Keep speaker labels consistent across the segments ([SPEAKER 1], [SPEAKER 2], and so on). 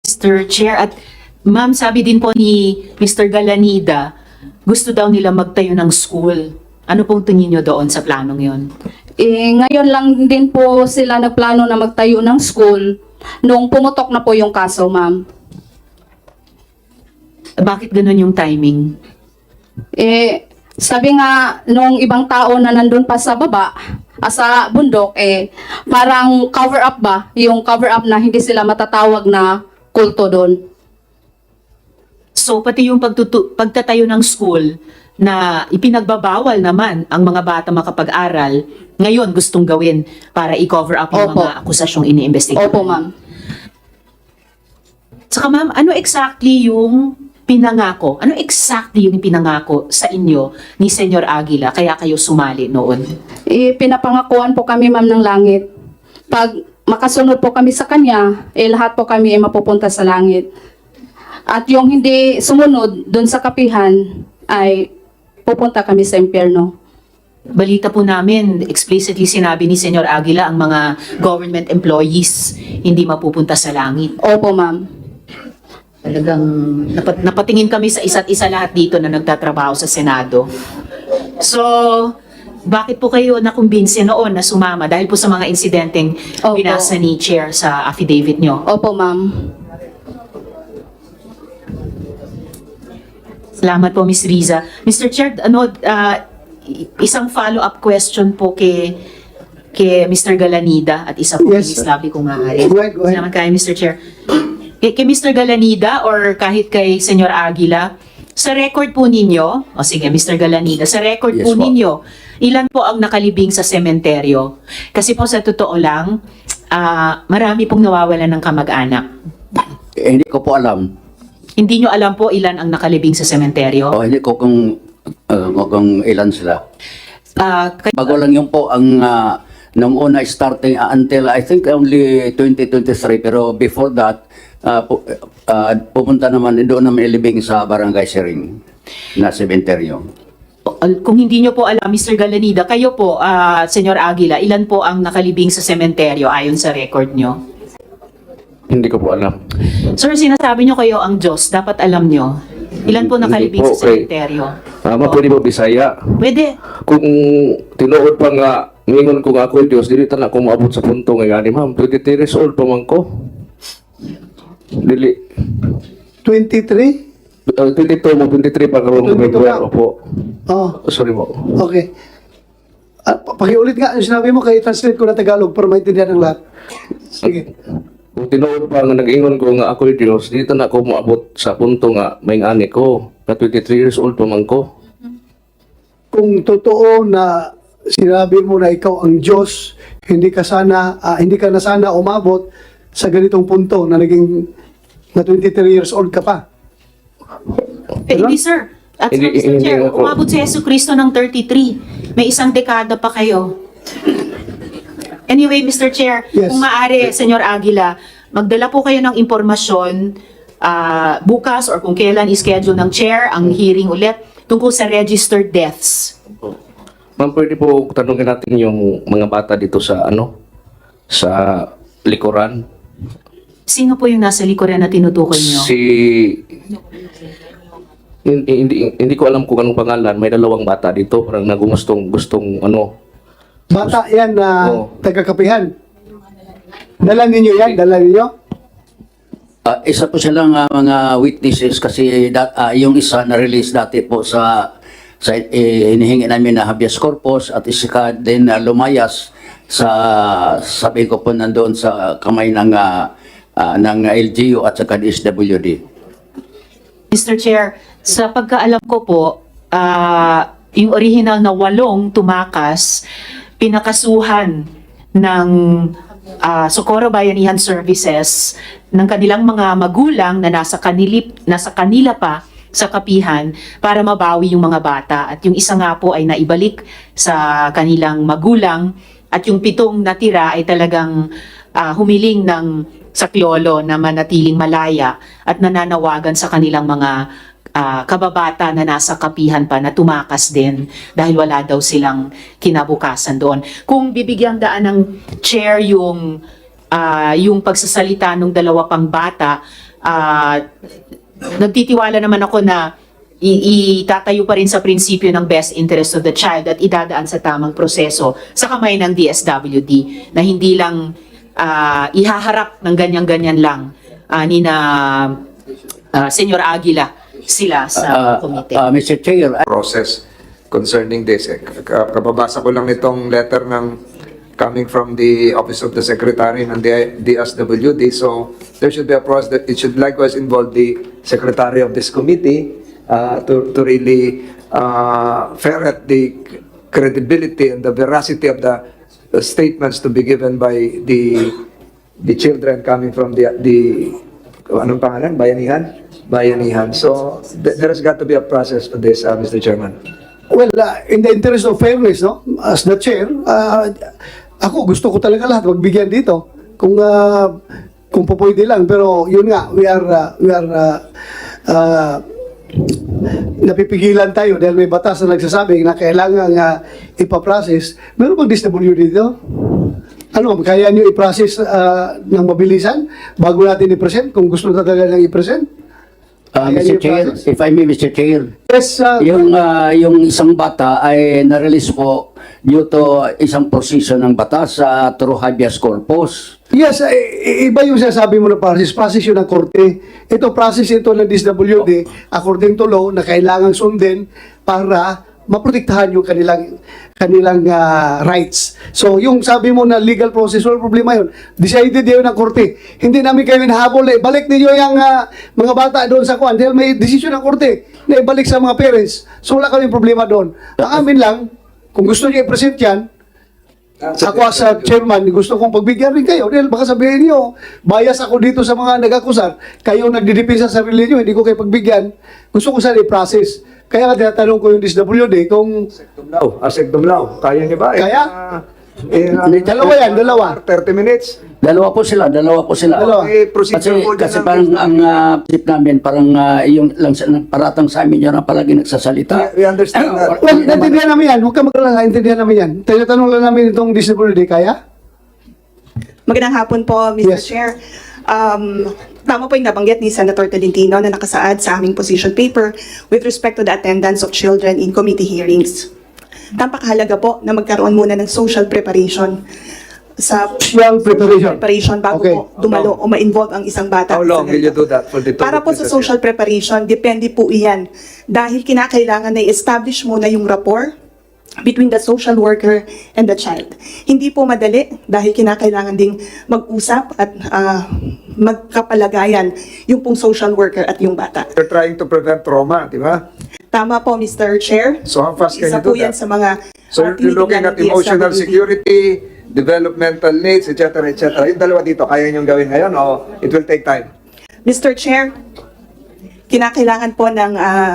[SPEAKER 1] Mr. Chair. At ma'am, sabi din po ni Mr. Galanida, gusto daw nila magtayo ng school. Ano pong tingin nyo doon sa planong yon?
[SPEAKER 2] Ngayon lang din po sila nagplano na magtayo ng school nung pumutok na po yung kaso, ma'am.
[SPEAKER 1] Bakit ganun yung timing?
[SPEAKER 2] Sabi nga nung ibang tao na nandun pa sa baba, sa bundok, parang cover up ba? Yung cover up na hindi sila matatawag na kulto doon.
[SPEAKER 1] So pati yung pagtatayo ng school na ipinagbabawal naman ang mga bata makapag-aral, ngayon gustong gawin para i-cover up yung
[SPEAKER 2] Opo.
[SPEAKER 1] mga akusasyong iniimbestigahan.
[SPEAKER 2] Opo, ma'am.
[SPEAKER 1] Saka ma'am, ano exactly yung pinangako? Ano exactly yung pinangako sa inyo ni Senyor Aguila kaya kayo sumali noon?
[SPEAKER 2] Pinapangakuan po kami, ma'am, ng langit. Pag makasunod po kami sa kanya, lahat po kami ay mapupunta sa langit. At yung hindi sumunod doon sa kapihan ay pupunta kami sa impyerno.
[SPEAKER 1] Balita po namin, explicitly sinabi ni Senyor Aguila ang mga government employees hindi mapupunta sa langit.
[SPEAKER 2] Opo, ma'am.
[SPEAKER 1] Talagang napatingin kami sa isa't isa lahat dito na nagtatrabaho sa Senado. So, bakit po kayo nakumbinsi noon na sumama? Dahil po sa mga insidenteng
[SPEAKER 2] Opo.
[SPEAKER 1] binasa ni Chair sa affidavit nyo.
[SPEAKER 2] Opo, ma'am.
[SPEAKER 1] Salamat po, Ms. Riza. Mr. Chair, isang follow-up question po kay Mr. Galanida at isa po kay
[SPEAKER 3] Yes,
[SPEAKER 1] Ms.
[SPEAKER 3] sir.
[SPEAKER 1] Lovely kung maaari.
[SPEAKER 3] Go ahead, go ahead.
[SPEAKER 1] Salamat kayo, Mr. Chair. Kay Mr. Galanida or kahit kay Senyor Aguila, sa record po ninyo, o sige, Mr. Galanida, sa record
[SPEAKER 4] Yes,
[SPEAKER 1] po
[SPEAKER 4] po.
[SPEAKER 1] ninyo, ilan po ang nakalibing sa sementeryo? Kasi po sa totoo lang, marami pong nawawalan ng kamag-anak.
[SPEAKER 4] Hindi ko po alam.
[SPEAKER 1] Hindi nyo alam po ilan ang nakalibing sa sementeryo?
[SPEAKER 4] O hindi ko kung ilan sila.
[SPEAKER 1] Kay-
[SPEAKER 4] Bago lang yun po ang nung una starting until I think only 2023 pero before that pupunta naman doon naman ilibing sa Barangay Siring na sementeryo.
[SPEAKER 1] Kung hindi nyo po alam, Mr. Galanida, kayo po, Senyor Aguila, ilan po ang nakalibing sa sementeryo ayon sa record nyo?
[SPEAKER 5] Hindi ko po alam.
[SPEAKER 1] Sir, sinasabi nyo kayo ang Diyos, dapat alam nyo. Ilan po nakalibing
[SPEAKER 5] Hindi po,
[SPEAKER 1] sa sementeryo?
[SPEAKER 5] Pwede po Bisaya.
[SPEAKER 1] Pwede.
[SPEAKER 5] Kung tinuod pa nga, ngayon ko nga ako Diyos, dili ta na ako maabot sa punto ngayon. Ma'am, 23 years old pa man ko. Dili.
[SPEAKER 3] 23?
[SPEAKER 5] 22 mo, 23 pa karoon
[SPEAKER 3] 22
[SPEAKER 5] February.
[SPEAKER 3] lang.
[SPEAKER 5] Opo.
[SPEAKER 3] Oh,
[SPEAKER 5] Sorry po.
[SPEAKER 3] okay. Pakiulit nga yung sinabi mo, kaya translate ko na Tagalog para maintindihan ng lahat. Sige.
[SPEAKER 5] Kung tinuod pa nga nag-ingon ko nga ako Diyos, dito na ako maabot sa punto nga may ani ko. Na 23 years old pa man ko.
[SPEAKER 3] Kung totoo na sinabi mo na ikaw ang Diyos, hindi ka na sana umabot sa ganitong punto na naging na 23 years old ka pa.
[SPEAKER 1] Hindi, sir. At
[SPEAKER 5] Hindi-
[SPEAKER 1] Mr.
[SPEAKER 5] hindi
[SPEAKER 1] Chair,
[SPEAKER 5] ako.
[SPEAKER 1] umabot si Yesu Cristo ng 33. May isang dekada pa kayo. Anyway, Mr. Chair,
[SPEAKER 3] Yes.
[SPEAKER 1] kung maaari, Senyor Aguila, magdala po kayo ng impormasyon bukas or kung kailan ischedule ng chair ang hearing ulit tungkol sa registered deaths.
[SPEAKER 5] Ma'am, pwede po tanungin natin yung mga bata dito sa sa likuran.
[SPEAKER 1] Sino po yung nasa likuran na tinutukoy nyo?
[SPEAKER 5] Hindi ko alam kung anong pangalan. May dalawang bata dito. Parang gustong
[SPEAKER 3] Bata yan na
[SPEAKER 5] Oo.
[SPEAKER 3] taga-kapihan. Dala ninyo yan? Dala ninyo?
[SPEAKER 4] Isa po silang mga witnesses kasi yung isa na-release dati po sa hinihingi namin na habeas corpus at isa din lumayas sa sabi ko po nandoon sa kamay ng LGU at saka DSWD.
[SPEAKER 1] Mr. Chair, sa pagkaalam ko po, yung original na 8 tumakas, pinakasuhan ng Socorro Bayanihan Services ng kanilang mga magulang na nasa kanila pa sa kapihan para mabawi yung mga bata. At yung isa nga po ay naibalik sa kanilang magulang at yung 7 natira ay talagang humiling ng saklolo na manatiling malaya at nananawagan sa kanilang mga kababata na nasa kapihan pa na tumakas din dahil wala daw silang kinabukasan doon. Kung bibigyang daan ng chair yung yung pagsasalita ng dalawa pang bata, nagtitiwala naman ako na itatayo pa rin sa prinsipyo ng best interest of the child at idadaan sa tamang proseso sa kamay ng DSWD na hindi lang ihaharap ng ganyan-ganyan lang ni na Senyor Aguila sila sa komite.
[SPEAKER 4] Mr. Chair,
[SPEAKER 6] process concerning this. Kapabasa ko lang nitong letter coming from the Office of the Secretary ng DSWD. So there should be a process that it should likewise involve the Secretary of this committee to really ferret the credibility and the veracity of the statements to be given by the children coming from the anong pangalan? Bayanihan. So there has got to be a process for this, Mr. Chairman.
[SPEAKER 3] Well, in the interest of fairness, no, as the chair, ako gusto ko talaga lahat magbigyan dito. Kung pwede lang, pero yun nga, we are napipigilan tayo dahil may batas na nagsasabi na kailangan ipaprocess. Meron bang DSWD dito? Ano, kaya nyo i-process ng mabilisan bago natin i-present kung gusto na talaga lang i-present?
[SPEAKER 4] Mr. Chair, if I may, Mr. Chair,
[SPEAKER 3] Yes,
[SPEAKER 4] yung isang bata ay na-release po due to isang prosesyo ng batas through habeas corpus.
[SPEAKER 3] yes, iba yung sinasabi mo na process yun ng korte. Ito process ito ng DSWD according to law na kailangang sundin para maprotektahan yung kanilang rights. So, yung sabi mo na legal process, wala problema yun. Decided yun ng korte. Hindi namin kayo hinahabol. Balik ninyo yung mga bata doon sa kwan. Dahil may decision ng korte na ibalik sa mga parents. So, wala kaming problema doon. Ang amin lang, kung gusto niyo i-present yan, ako as a chairman, gusto kong pagbigyan rin kayo. Dahil baka sabihin niyo, bias ako dito sa mga nag-akusar. Kayo nagdidipin sa sarili niyo, hindi ko kayo pagbigyan. Gusto ko sana i-process. Kaya nga tinatanong ko yung DSWD kung...
[SPEAKER 6] Dumlao. Kaya niyo ba?
[SPEAKER 3] Kaya? Dalawa yan, dalawa.
[SPEAKER 6] 30 minutes.
[SPEAKER 4] Dalawa po sila.
[SPEAKER 3] Dalawa.
[SPEAKER 6] Procedure po dyan
[SPEAKER 4] Kasi
[SPEAKER 6] ng-
[SPEAKER 4] parang ang tip namin, parang yung lang paratang sa amin yun ang palagi nagsasalita.
[SPEAKER 6] We understand that.
[SPEAKER 3] Well, naintindihan namin yan. Huwag ka mag-alala, naintindihan namin yan. Tinatanong lang namin itong DSWD, kaya?
[SPEAKER 7] Magandang hapon po, Mr.
[SPEAKER 3] Yes.
[SPEAKER 7] Chair. Tama po yung nabanggit ni Senator Tolentino na nakasaad sa aming position paper with respect to the attendance of children in committee hearings. Napakahalaga po na magkaroon muna ng social preparation sa
[SPEAKER 3] Social preparation.
[SPEAKER 7] bago
[SPEAKER 3] Okay.
[SPEAKER 7] po dumalo o ma-involve ang isang bata.
[SPEAKER 6] How long will you do that for the
[SPEAKER 7] Para po sa social preparation, depende po iyan. Dahil kinakailangan na i-establish muna yung rapport between the social worker and the child. Hindi po madali dahil kinakailangan ding mag-usap at magkapalagayan yung pong social worker at yung bata.
[SPEAKER 6] You're trying to prevent trauma, di ba?
[SPEAKER 7] Tama po, Mr. Chair.
[SPEAKER 6] So how fast can
[SPEAKER 7] Isa
[SPEAKER 6] you do
[SPEAKER 7] po yan
[SPEAKER 6] that?
[SPEAKER 7] sa mga
[SPEAKER 6] So you're looking
[SPEAKER 7] tinitingnan
[SPEAKER 6] at
[SPEAKER 7] ng
[SPEAKER 6] emotional
[SPEAKER 7] DSWD.
[SPEAKER 6] security, developmental needs, etc. etc. Yung dalawa dito, kaya niyong gawin ngayon o it will take time?
[SPEAKER 7] Mr. Chair, kinakailangan po ng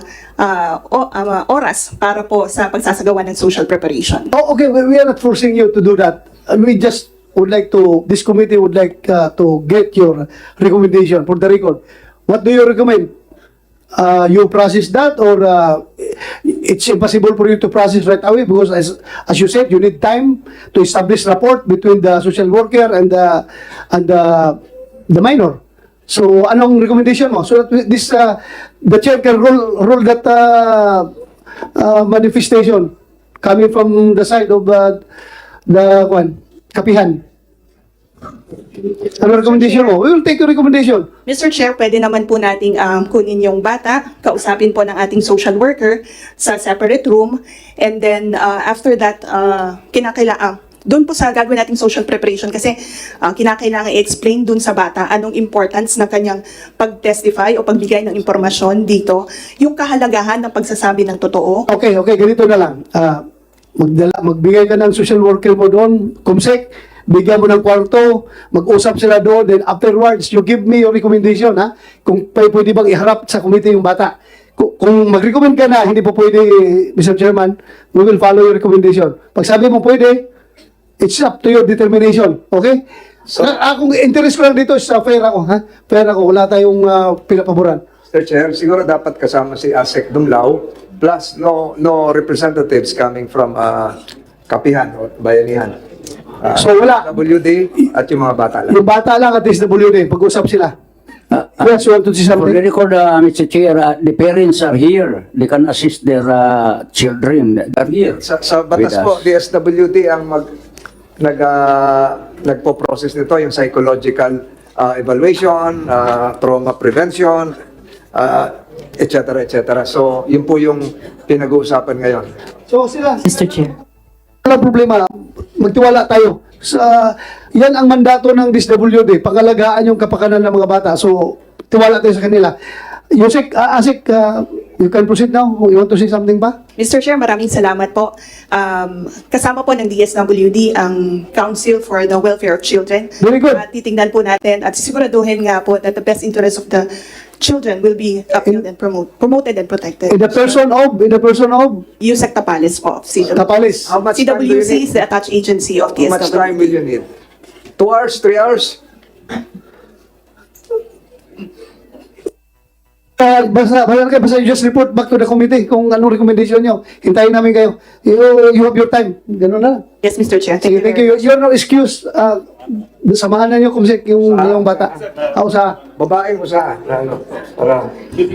[SPEAKER 7] oras para po sa pagsasagawa ng social preparation.
[SPEAKER 3] Oh, okay, we are not forcing you to do that. We just would like to, this committee would like to get your recommendation for the record. What do you recommend? You process that or it's impossible for you to process right away because as you said, you need time to establish rapport between the social worker and the minor. So, anong recommendation mo? So that this the chair can roll that manifestation coming from the side of the kapihan. Ano recommendation mo? We will take your recommendation.
[SPEAKER 7] Mr. Chair, pwede naman po nating kunin yung bata, kausapin po ng ating social worker sa separate room, and then after that, doon po sa gagawin nating social preparation kasi kinakailangan i-explain doon sa bata anong importance ng kanyang pag-testify o pagbigay ng impormasyon dito, yung kahalagahan ng pagsasabi ng totoo.
[SPEAKER 3] Okay, ganito na lang. Magbigay ka ng social worker mo doon, kumsek, bigyan mo ng kwarto, mag-usap sila doon, then afterwards, you give me your recommendation, ha? Kung pwede bang iharap sa committee yung bata. Kung mag-recommend ka na, hindi po pwede, Mr. Chairman, we will follow your recommendation. Pag sabi mo pwede, it's up to your determination, okay? So, kung interest ko lang dito, fair ako, ha? Fair ako, wala tayong pinapaboran.
[SPEAKER 6] Mr. Chair, siguro dapat kasama si Asek Dumlao plus no representatives coming from Kapihan o Bayanihan.
[SPEAKER 3] So wala.
[SPEAKER 6] WD at yung mga bata lang.
[SPEAKER 3] Yung bata lang at SWD, pag-usap sila. Yes, you want to say
[SPEAKER 4] For the
[SPEAKER 3] something?
[SPEAKER 4] record, Mr. Chair, the parents are here. They can assist their children. They're here.
[SPEAKER 6] Sa batas
[SPEAKER 4] With
[SPEAKER 6] po,
[SPEAKER 4] us.
[SPEAKER 6] DSWD ang nagpo-process nito, yung psychological evaluation, trauma prevention, et cetera, et cetera. So, yun po yung pinag-uusapan ngayon.
[SPEAKER 3] So sila,
[SPEAKER 1] Mr. Chair.
[SPEAKER 3] walang problema. Magtiwala tayo. Yan ang mandato ng DSWD, pangalagaan yung kapakanan ng mga bata. So, tiwala tayo sa kanila. Yusek, Asik, you can proceed now. You want to say something ba?
[SPEAKER 7] Mr. Chair, maraming salamat po. Kasama po ng DSWD ang Council for the Welfare of Children.
[SPEAKER 3] Very good.
[SPEAKER 7] Titingnan po natin at siguraduhin nga po that the best interest of the children will be upheld and promoted and protected.
[SPEAKER 3] In the person of
[SPEAKER 7] Yusek Tapales po of CWC.
[SPEAKER 3] Tapalis.
[SPEAKER 6] How much time do you
[SPEAKER 7] CWC
[SPEAKER 6] need?
[SPEAKER 7] is the attached agency of
[SPEAKER 6] How much time
[SPEAKER 7] DSWD.
[SPEAKER 6] will you need? 2 hours, 3 hours?
[SPEAKER 3] Basta you just report back to the committee kung anong recommendation nyo. Hintayin namin kayo. You have your time. Ganun na.
[SPEAKER 7] Yes, Mr. Chair.
[SPEAKER 3] Sige, thank you. You're no excuse. Samahan na nyo kumsik yung bata. Ako sa...
[SPEAKER 6] Babae mo sa ano? Para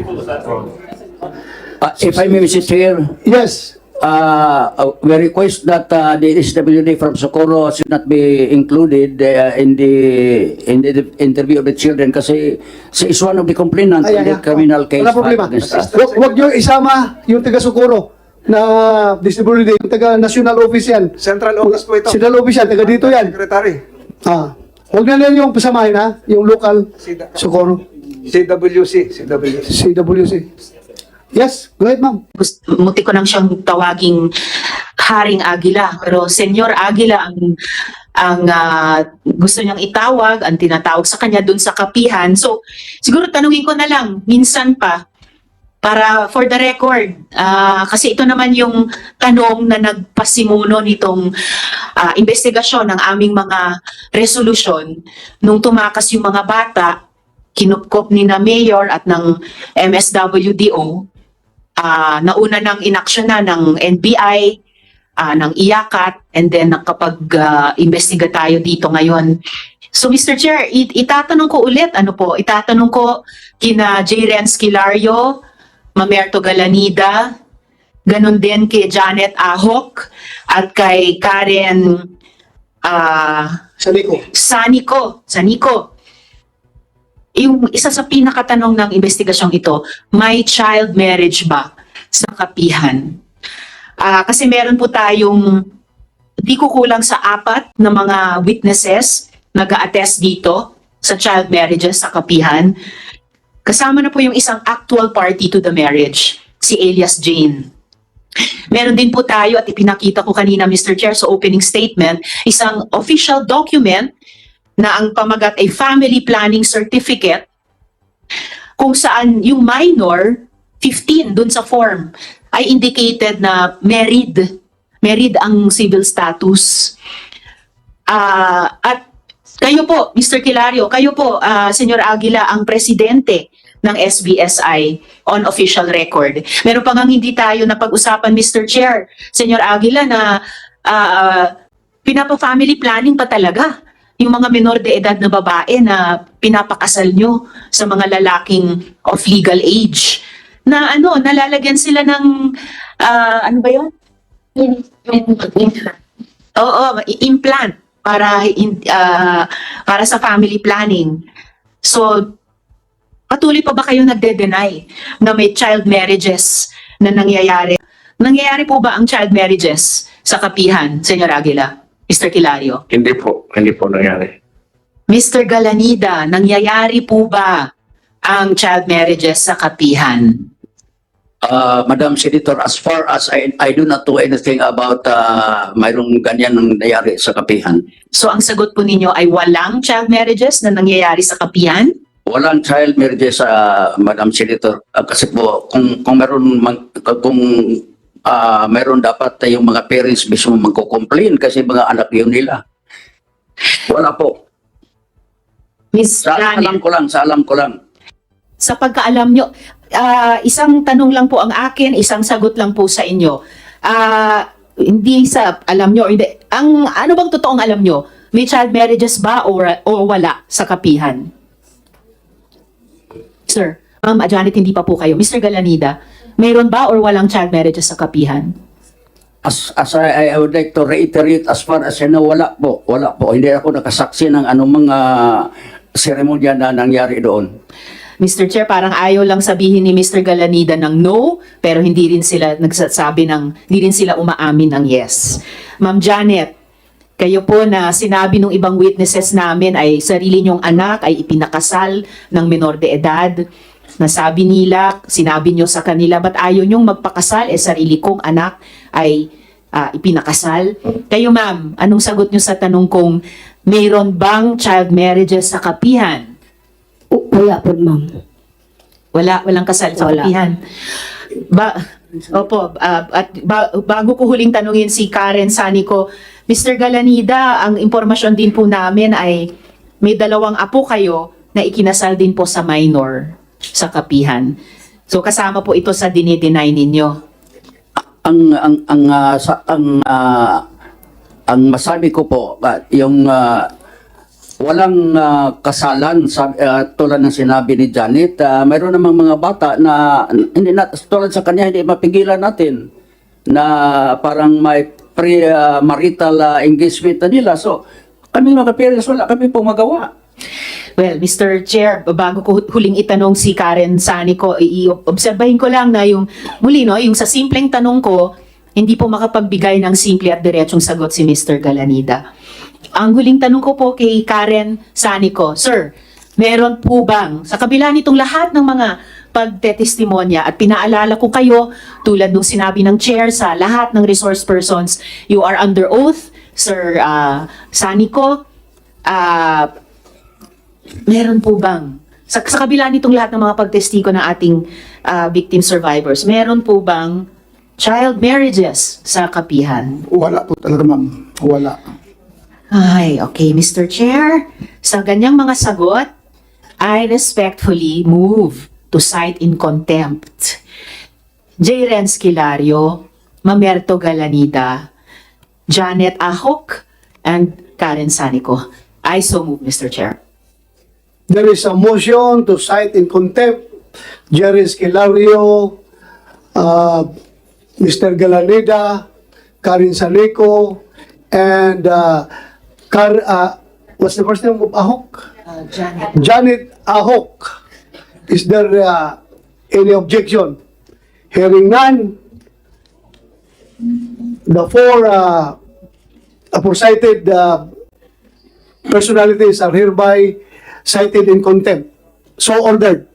[SPEAKER 4] If I may, Mr. Chair,
[SPEAKER 3] Yes.
[SPEAKER 4] we request that the SWD from Socorro should not be included in the interview of the children kasi she is one of the complainants in the criminal case.
[SPEAKER 3] Wala problema.
[SPEAKER 4] filed against us.
[SPEAKER 3] Huwag nyo isama yung taga-Sukuro na distributed, yung taga-national office yan.
[SPEAKER 6] Central Office po ito.
[SPEAKER 3] Central office yan, taga dito yan.
[SPEAKER 6] Secretary.
[SPEAKER 3] Huwag na lang yung pasamahin ha, yung local Sukuro.
[SPEAKER 6] CWC.
[SPEAKER 3] CWC. Yes, go ahead ma'am.
[SPEAKER 1] Munti ko nang siyang tawaging Haring Agila, pero Senyor Agila ang gusto niyang itawag, ang tinatawag sa kanya dun sa kapihan. So siguro tanungin ko na lang minsan pa para for the record, kasi ito naman yung tanong na nagpasimuno nitong investigasyon ng aming mga resolusyon nung tumakas yung mga bata, kinupkop ni na Mayor at ng MSWDO. Nauna ng inaksyon na ng NBI, ng IACAT, and then nakapag-investiga tayo dito ngayon. So Mr. Chair, itatanong ko ulit, itatanong ko kina J. Renz Kilario, Mamerto Galanida, ganun din kay Janet Ahok, at kay Karen Sanico. Yung isa sa pinakatanong ng investigasyong ito, may child marriage ba sa kapihan? Kasi meron po tayong di kukulang sa 4 na mga witnesses nag-a-attest dito sa child marriages sa kapihan. Kasama na po yung isang actual party to the marriage, si Elias Jane. Meron din po tayo at ipinakita ko kanina, Mr. Chair, sa opening statement, isang official document na ang pamagat ay family planning certificate kung saan yung minor, 15 dun sa form, ay indicated na married ang civil status. At kayo po, Mr. Kilario, kayo po, Senyor Aguila, ang presidente ng SBSI on official record. Meron pa ngang hindi tayo napag-usapan, Mr. Chair, Senyor Aguila, na pinapa-family planning pa talaga yung mga menor de edad na babae na pinapakasal nyo sa mga lalaking of legal age. Na nalalagyan sila ng, ano ba yun? Implant para sa family planning. So, patuloy pa ba kayo nagde-deny na may child marriages na nangyayari? Nangyayari po ba ang child marriages sa kapihan, Senyor Aguila? Mr. Kilario?
[SPEAKER 5] Hindi po nangyari.
[SPEAKER 1] Mr. Galanida, nangyayari po ba ang child marriages sa kapihan?
[SPEAKER 4] Madam Senator, as far as I do not know anything about mayroong ganyan nangyayari sa kapihan.
[SPEAKER 1] So ang sagot po ninyo ay walang child marriages na nangyayari sa kapihan?
[SPEAKER 4] Walang child marriages sa Madam Senator. Kasi po, kung meron dapat yung mga parents mismo magko-complain kasi mga anak yun nila. Wala po.
[SPEAKER 1] Miss
[SPEAKER 4] Sa alam ko lang.
[SPEAKER 1] Sa pagkaalam nyo, isang tanong lang po ang akin, isang sagot lang po sa inyo. hindi sa alam nyo, hindi, ano bang totoong alam nyo? May child marriages ba o wala sa kapihan? Sir, Ma'am Janet, hindi pa po kayo. Mr. Galanida, mayroon ba or walang child marriages sa kapihan?
[SPEAKER 4] As I would like to reiterate, as far as I know, wala po. Hindi ako nakasaksi ng anumang seremonya na nangyari doon.
[SPEAKER 1] Mr. Chair, parang ayaw lang sabihin ni Mr. Galanida ng no, pero hindi rin sila hindi rin sila umaamin ng yes. Ma'am Janet, kayo po na sinabi ng ibang witnesses namin ay sarili niyong anak ay ipinakasal ng menor de edad. Nasabi nila, sinabi niyo sa kanila, ba't ayaw niyong magpakasal? Sarili kong anak ay ipinakasal. Kayo ma'am, anong sagot niyo sa tanong kong mayroon bang child marriages sa kapihan?
[SPEAKER 8] Wala po, ma'am.
[SPEAKER 1] Walang kasal sa
[SPEAKER 8] Wala.
[SPEAKER 1] kapihan. Bago ko huling tanungin si Karen Sanico, Mr. Galanida, ang impormasyon din po namin ay may 2 apo kayo na ikinasal din po sa minor sa kapihan. So kasama po ito sa dinideny ninyo.
[SPEAKER 4] Ang masabi ko po, yung walang kasalan, tulad ng sinabi ni Janet, mayroon namang mga bata na hindi tulad sa kanya hindi mapigilan natin na parang may pre-marital engagement na nila. So, kami mga parents, wala kami pong magawa.
[SPEAKER 1] Well, Mr. Chair, bago ko huling itanong si Karen Sanico, i-obserbahin ko lang na yung muli, no, yung sa simpleng tanong ko, hindi po makapagbigay ng simple at diretsong sagot si Mr. Galanida. Ang huling tanong ko po kay Karen Sanico, Sir, meron po bang, sa kabila nitong lahat ng mga pagtetestimonya at pinaalala ko kayo, tulad nung sinabi ng chair sa lahat ng resource persons, you are under oath, Sir Sanico, meron po bang, sa kabila nitong lahat ng mga pagtestigo ng ating victim survivors, meron po bang child marriages sa kapihan?
[SPEAKER 9] Wala po talaga, ma'am. Wala.
[SPEAKER 1] Ay, okay, Mr. Chair. Sa ganyang mga sagot, I respectfully move to cite in contempt J. Renz Kilario, Mamerto Galanida, Janet Ahok, and Karen Sanico. I so move, Mr. Chair.
[SPEAKER 3] There is a motion to cite in contempt Jerry Esquilario, Mr. Galanida, Karen Sanico, and what's the first name of Ahok?
[SPEAKER 1] Janet.
[SPEAKER 3] Janet Ahok. Is there any objection? Hearing none, the 4 aforecited personalities are hereby cited in contempt. So ordered.